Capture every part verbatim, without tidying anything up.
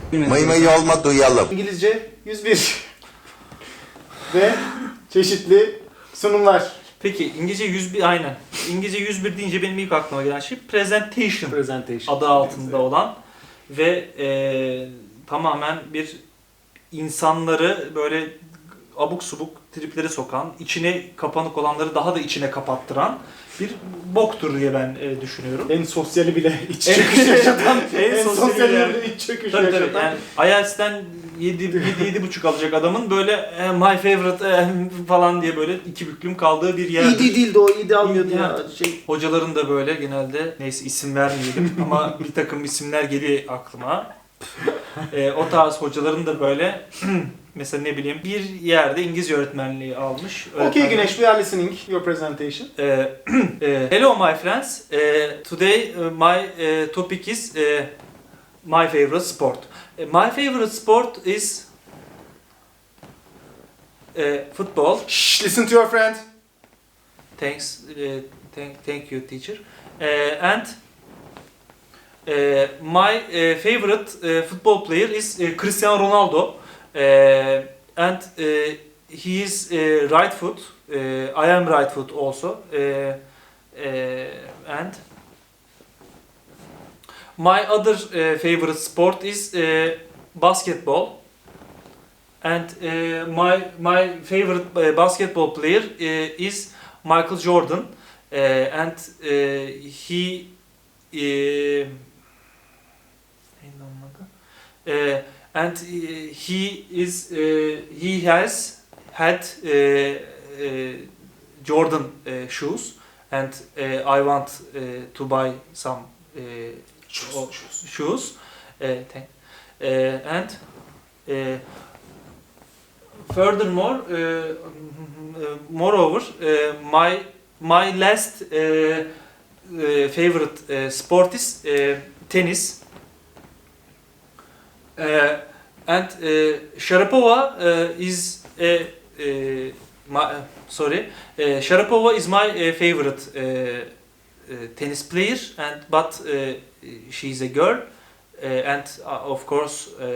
Mıy mıy olma duyalım. İngilizce yüz bir ve çeşitli sunumlar. Peki İngilizce yüz bir aynen. İngilizce yüz bir deyince benim ilk aklıma gelen şey presentation Presentation. adı altında olan ve e, tamamen bir insanları böyle abuk subuk triplere sokan, içine kapanık olanları daha da içine kapattıran bir boktur diye ben e, düşünüyorum. En sosyali bile iç çöküş yaşatan, En en, sosyali sosyali yani. bile iç çöküş Tabii tabii. yaşatan. Yani I E L T S'ten yedi yedi buçuk alacak adamın böyle eh, my favorite eh, falan diye böyle iki büklüm kaldığı bir yerdir. İyi değildi o, iyi de almıyordu İyi, ya. evet. Şey, Hocaların da böyle genelde neyse isim vermeyelim ama bir takım isimler geliyor aklıma. e, o tarz hocaların da böyle mesela ne bileyim bir yerde İngilizce öğretmenliği almış. okay Öğretmenlik- Güneş, we are listening your presentation. E, e, hello my friends. E, today uh, my uh, topic is uh, my favorite sport. Uh, my favorite sport is uh, football. Shh, listen to your friend. Thanks, uh, thank, thank you, teacher. Uh, and uh, my uh, favorite uh, football player is uh, Cristiano Ronaldo, uh, and uh, he is uh, right foot. Uh, I am right foot also, uh, uh, and my other uh, favorite sport is uh, basketball. And uh, my my favorite uh, basketball player uh, is Michael Jordan, uh, and uh, he uh, neydi onun adı? Uh, and uh, he is uh, he has had uh, uh, Jordan uh, shoes, and uh, I want uh, to buy some uh, o- shoes. Uh, thank- uh, and uh, furthermore, uh, moreover, uh, my my last uh, uh, favorite uh, sport is uh, tennis. Uh, and uh, Sharapova uh, is uh, uh, my uh, sorry, uh, Sharapova is my uh, favorite uh, uh, tennis player, and but uh, she's a girl, uh, and uh, of course. Uh,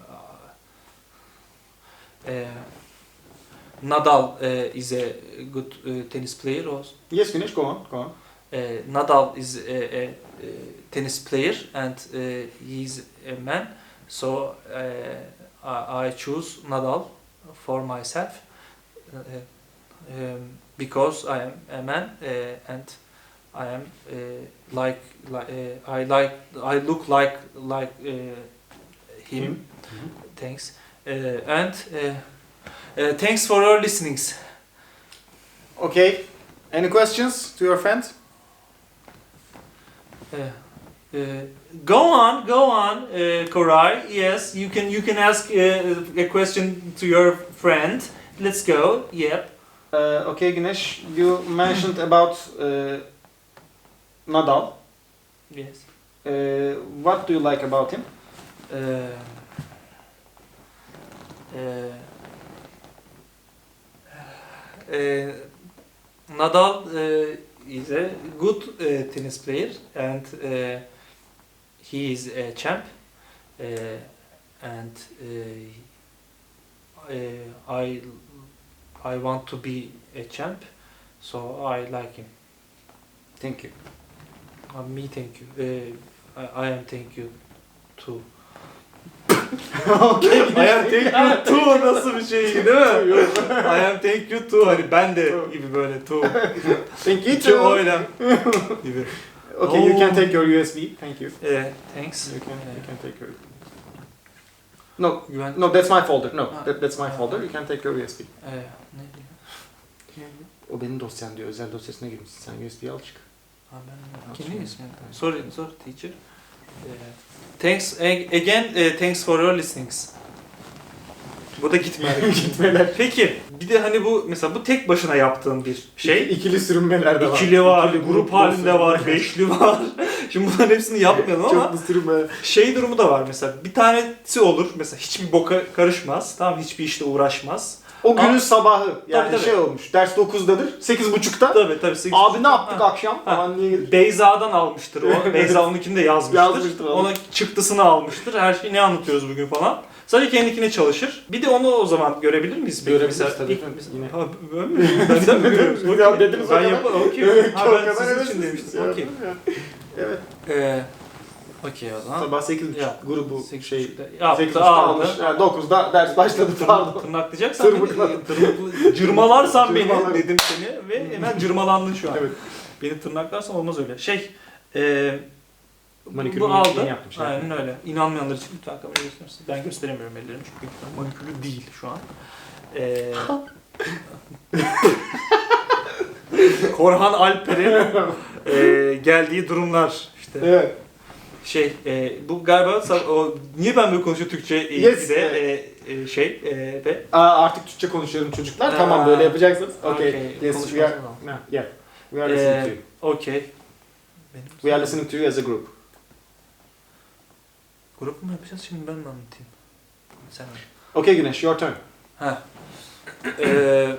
Uh, Nadal uh, is a good uh, tennis player also. Yes Güneş, go on, go on. Uh, Nadal is a, a, a tennis player, and uh, he's a man, so uh, I, I choose Nadal for myself uh, um, because I am a man uh, and I am uh, like, like uh, I like I look like like uh, him. Him. Thanks. Uh, and uh, uh, thanks for your listenings. Okay, any questions to your friend? Uh, uh, go on, go on, uh, Koray. Yes, you can. You can ask uh, a question to your friend. Let's go. Yep. Uh, okay Güneş, you mentioned about uh, Nadal. Yes. Uh, what do you like about him? Uh, uh, uh, Nadal uh, is a good uh, tennis player, and uh, he is a champ, uh, and uh, uh, I I want to be a champ, so I like him. Thank you. Uh, me, thank you. Uh, I, I am thank you too. Okay. I am thank you too nasıl bir şey değil mi? I am thank you too, hani ben de gibi böyle too. Thank you İki too. oyla gibi. Okay, you can Oh. take your U S B. Thank you. Uh, thanks. You can, you Uh, can take your. No, Güven. no, that's my folder. No, Ah. that, that's my Ah. folder. You can take your U S B. Uh, ne diyeyim? O benim dosyan diyor. Özel dosyasına girmişsin. Sen U S B'yi al çık. Ha, ben Ah, Kimin sorry. ismi? Sorry, sorry teacher. Uh, thanks a- again. Uh, thanks for your listenings. Bu da gitmedi. Gitmeler. Peki bir de hani bu mesela bu tek başına yaptığın bir şey. İki- ikili sürünmeler de var. İkili var, İkili grup halinde var, beşli var. Şimdi bunların hepsini yapmayalım ama Çoklu sürünmeler. şey durumu da var mesela. Bir tanesi olur mesela hiçbir boka karışmaz. Tamam hiçbir işte uğraşmaz. O o günün Ama- sabahı. Yani tabii. şey olmuş. Ders dokuzdadır. sekiz buçukta. Tabii tabii. sekiz- Abi ne yaptık Ha. akşam falan diye gelir. Beyza'dan almıştır o. Beyza onunkini de yazmıştır. Yazmıştır onu. Ona çıktısını almıştır. Her şeyi ne anlatıyoruz bugün falan. Sadece kendikine çalışır. Bir de onu o zaman görebilir miyiz? Peki? Görebiliriz Mesela tabii ilk- efendim, mesela- yine. Ha, ben mi? Benden mi görüyoruz? Ya Okey. dediniz o Ben kadar. yaparım. Okey. Evet, Ha, o ben kadar sizin için övesiniz demiştim. ya. Okey. Evet. Ee, Okey o zaman. Sabah sekiz buçuk Ya, grubu sekiz şey. buçukta sekiz yaptı, buçukta aldı. almış. Yani dokuzda ders başladı pardon. Tırnaklayacaksan Tırmıkladım. beni, tırmıklı, cırmalarsan beni Cırmalarım. dedim seni ve hemen cırmalandın şu an. Evet. Beni tırnaklarsan olmaz öyle. Şey, e, Manikürü bu yeni- aldı. yeni yaptım şey. Aynen öyle. İnanmayanlar için lütfen kamerayı göstersin. Ben gösteremiyorum ellerimi çünkü manikürlü değil şu an. E, Korhan Alper'in e, geldiği durumlar işte. Evet. Şey, e, bu galiba sa- o, niye ben böyle konuşuyorum Türkçe Yes, eğitimde e, e, şey e, ve Aa, artık Türkçe konuşuyorum çocuklar. Aa. Tamam böyle yapacaksınız. Okay. Okay, Yes, konuşmak we are. tamam. No, yeah. We are listening to e, you. okey. Benim- We are listening to you as a group. Grup mu yapacağız şimdi ben mi anlatayım? Sen anlat. Okay Güneş, your turn. Ha. Eee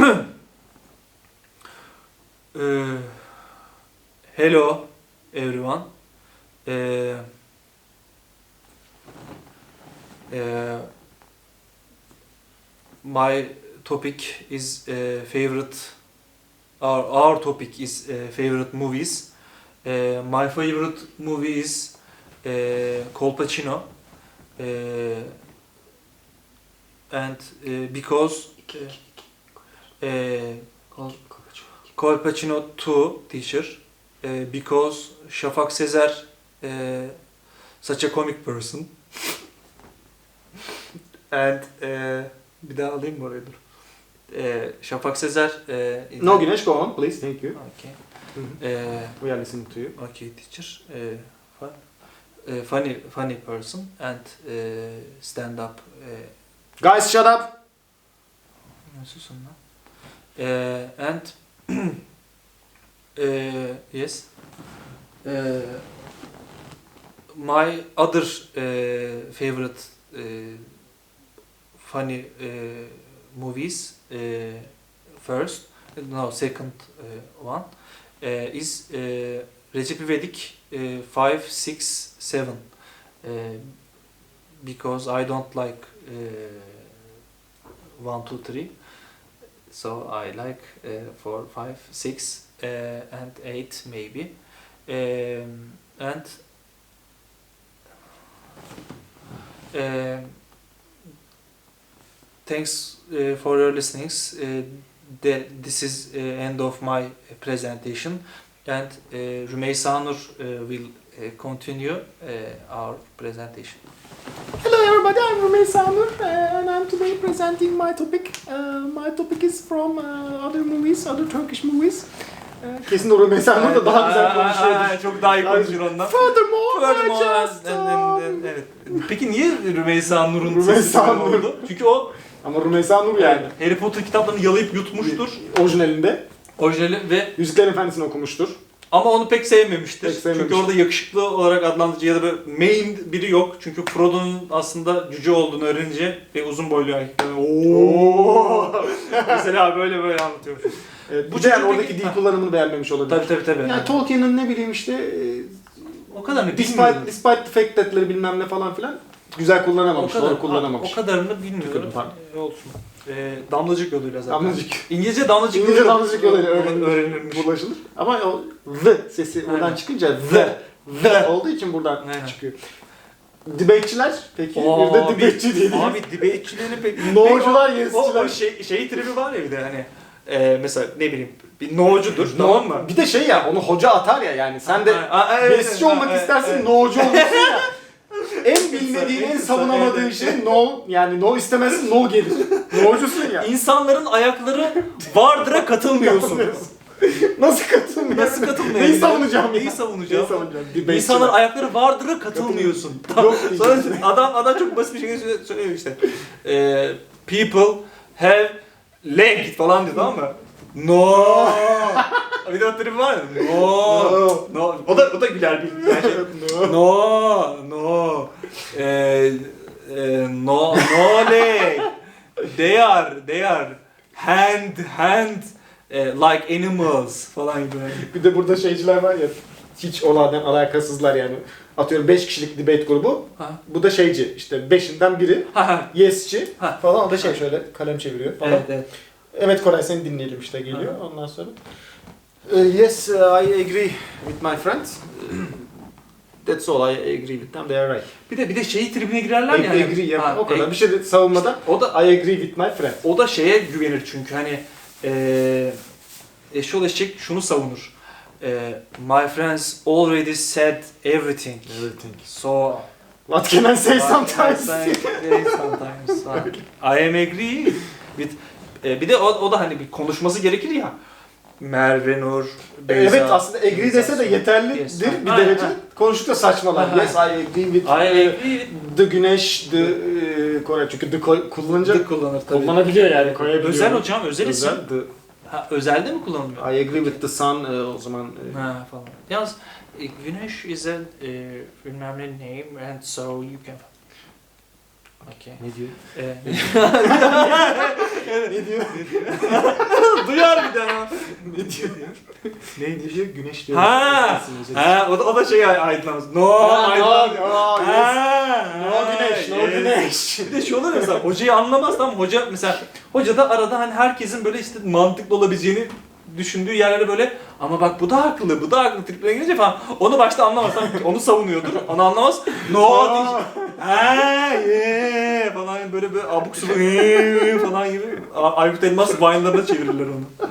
eee, hello everyone. Eee eee, my topic is eee, favorite. Our our topic is eee, favorite movies. Eee, my favorite movie is eee, Colpacino. Eee and uh, because uh, uh, Colpacino two teacher uh, because Şafak Sezer uh, such a comic person and uh, bir daha alayım mı oraya dur. Uh, Şafak Sezer uh, is No a- Güneş, go on please. Thank you. Okay. Hı hı. Uh, We are listening to you. okay teacher uh, fun, uh, funny funny person and uh, stand up uh, Guys shut up. Nasılsın lan? Eee and eee yes. Eee my other eee favorite eee funny eee movies eee first no second eee, one eee, is eee Recep İvedik eee, five six seven eee, because I don't like eee one two three. So I like uh, four, five, six, uh, and eight maybe, um, and um thanks uh, for your listenings. Uh, the, this is uh, end of my presentation, and uh, Rümeysa Nur uh, will uh, continue uh, our presentation. Hello everybody, I'm Rümeysa Nur uh, and I'm today presenting my topic. Uh, my topic is from uh, other movies, other Turkish movies. Uh, Kesin o Rümeysa Nur da daha güzel konuşuyordur. Çok daha iyi konuşur ondan. Furthermore, Furthermore, I just... and- and- and- evet. Peki niye Rümeysa Nur'un Rümeysa sesi böyle Nur. oldu? Çünkü o Ama Rümeysa Nur yani. Harry Potter kitaplarını yalayıp yutmuştur. Orijinalinde. Orijinali ve Yüzüklerin Efendisi'ni okumuştur. ama onu pek sevmemiştir. Pek sevmemiştir. Çünkü orada yakışıklı olarak adlandırıcı ya da böyle main biri yok. Çünkü Frodo'nun aslında cüce olduğunu öğrenince ve uzun boylu erkekler. Ooo. Mesela böyle böyle anlatıyormuş. Evet, Bu bu da yani çocuk oradaki peki- dil kullanımını beğenmemiş olabilir. Tabii tabii tabii. Yani Tolkien'in ne bileyim işte e, o kadar ne despite, bilmiyorum. despite the fact that'leri bilmem ne falan filan güzel kullanamamış, doğru kullanamamış. O kadarını bilmiyorum. Tükürdüm, pardon. Ee, olsun. Ee, damlacık yoluyla zaten. Damlacık. İngilizce damlacık İngilizce yoluyla damlacık yoluyla öğrenilir. öğrenilmiş. Bulaşılır. Ama o the sesi Aynen. oradan çıkınca the, the olduğu için buradan Aynen. çıkıyor. Debate'çiler peki Oo, bir de abi- debate'çi diye. Abi debate'çilerin pek... No'cular, o, o, yes'çiler. o şey, şey tribi var ya bir de hani e, mesela ne bileyim bir no'cudur tamam mı? Bir de şey ya onu hoca atar ya yani sen de Aa, aa, evet, yes'çi evet, olmak evet, istersin evet. no'cu olursun ya. En bilmediğin, en Evet, savunamadığın evet. şey no, yani no istemezsin no gelir. No'cusun ya. İnsanların ayakları vardır'a katılmıyorsun. Nasıl katılmıyor? Nasıl katılmıyor? Neyi savunacağım ya? Neyi savunacağım? Neyi savunacağım? Debate'çiler. İnsanların ayakları vardır'a katılmıyorsun. Yok Sonra diyeceksin. adam adam çok basit bir şekilde söylüyor işte. Ee, people have leg falan diyor tamam mı? No. Bir de o tribi var ya. No. No. No. O da o da güler bir yani şey. No. No. No. Ee, e, no no leg. they are, they are hand, hand eh, like animals falan gibi. Bir de burada şeyciler var ya, hiç olaydan alakasızlar yani. Atıyorum beş kişilik debate grubu. Ha. Bu da şeyci, işte beşinden biri Ha, ha. yes'ci Ha. falan. O da şey şöyle kalem çeviriyor falan. Evet, evet. Evet Koray, seni dinleyelim işte geliyor ondan sonra. Uh, yes, uh, I agree with my friends. Uh, That's all, I agree with them, they are right. Bir de bir de şeyi tribüne girerler I ya. hani- agree ya, Ha, o kadar. e- Bir şey de savunmadan O da I agree with my friend. o da şeye güvenir çünkü hani eee eşyol eşek şunu savunur. Eee my friends already said everything. Everything. So What can I say I- sometimes? I say sometimes. Ha. I am agree with e, bir de o, o da hani bir konuşması gerekir ya. Merve Nur, Beyza. Evet, aslında agree dese de yeterlidir Yes. bir Ha, derece. ha. Konuştukça saçmalar. Ha, ha. Yes, I agree with I agree with the güneş, the e, Kore. Çünkü the ko- kullanınca the kullanır tabii. kullanabiliyor yani, koyabiliyor. Özel hocam, özel isim. Özel, the, Ha, özelde mi kullanılıyor? I agree with the sun e, o zaman. e, Ha falan. Yalnız e, güneş is a e, bilmem ne name and so you can... Okay. Ne diyor? E, Ne diyor? Duyar bir daha. ne diyor? ne diyor? Güneş diyor. Ha! Ha, o da, o da şey aydınlanmış. No, Ha, no, aydınlanmış. no, yes. Ha, No güneş, no yes. güneş. Bir de şey olur ya mesela hocayı anlamaz tamam hoca mesela hoca da arada hani herkesin böyle işte mantıklı olabileceğini düşündüğü yerlere böyle ama bak bu da haklı bu da haklı triplerine girince falan onu başta anlamaz tamam onu savunuyordur onu anlamaz no diyecek. Ha ye falan böyle böyle abuk subuk "Ee" falan gibi A- Aykut Elmas Vine'larına çevirirler onu.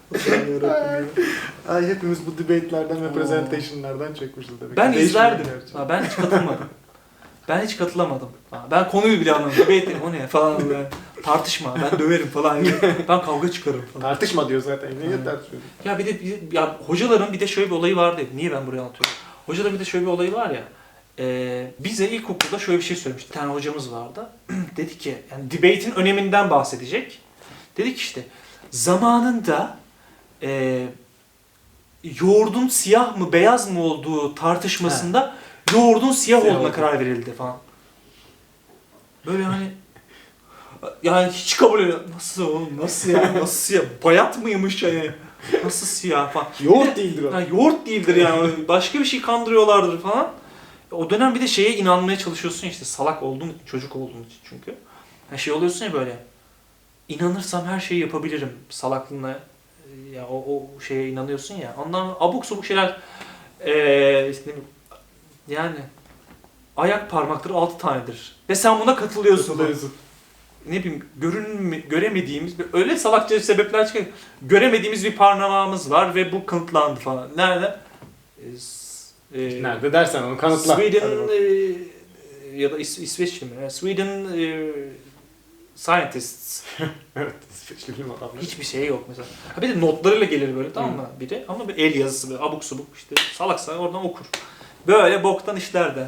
Ay, hepimiz bu debate'lerden ve presentation'lardan çekmişiz demek. Ben Değişmiyor izlerdim. gerçi. Ha, ben hiç katılmadım. Ben hiç katılamadım. Ha, ben konuyu bile anlamadım. Debate o ne falan böyle. Tartışma. Ben döverim falan gibi. Ben kavga çıkarım falan. Tartışma diyor zaten. Niye Evet. tartışıyor? Ya bir de bir- ya hocaların bir de şöyle bir olayı vardı. Niye ben buraya anlatıyorum? Hocaların bir de şöyle bir olayı var ya. E, bize ilkokulda şöyle bir şey söylemişti. Bir tane hocamız vardı. Dedi ki yani debate'in öneminden bahsedecek. Dedi ki işte zamanında e, yoğurdun siyah mı beyaz mı olduğu tartışmasında yoğurdun siyah Siyah olduğuna oldu. karar verildi falan. Böyle hani yani hiç kabul edemem. Nasıl oğlum nasıl ya nasıl siyah bayat mıymış yani nasıl siyah falan. Yoğurt değildir o. Ha, yoğurt değildir yani başka bir şey kandırıyorlardır falan. O dönem bir de şeye inanmaya çalışıyorsun ya işte salak olduğun için çocuk olduğun için çünkü. Yani şey oluyorsun ya böyle inanırsam her şeyi yapabilirim salaklığına ya o, o şeye inanıyorsun ya ondan abuk sabuk şeyler eee işte ne bileyim, yani ayak parmakları altı tanedir ve sen buna katılıyorsun. Katılıyorsun. Ne bileyim görünme, göremediğimiz bir- öyle salakça sebepler çıkıyor. Göremediğimiz bir parmağımız var ve bu kanıtlandı falan. Nerede? Ee, s- e, Nerede dersen onu kanıtla. Sweden Hadi bakalım. e, ya da İs- İsveçli mi? Yani Sweden e, scientists. Evet. İsveçli bilim adamları. Hiçbir şey yok mesela. Ha bir de notlarıyla gelir böyle tamam mı biri ama bir el yazısı böyle abuk subuk işte salaksa oradan okur. Böyle boktan işler de.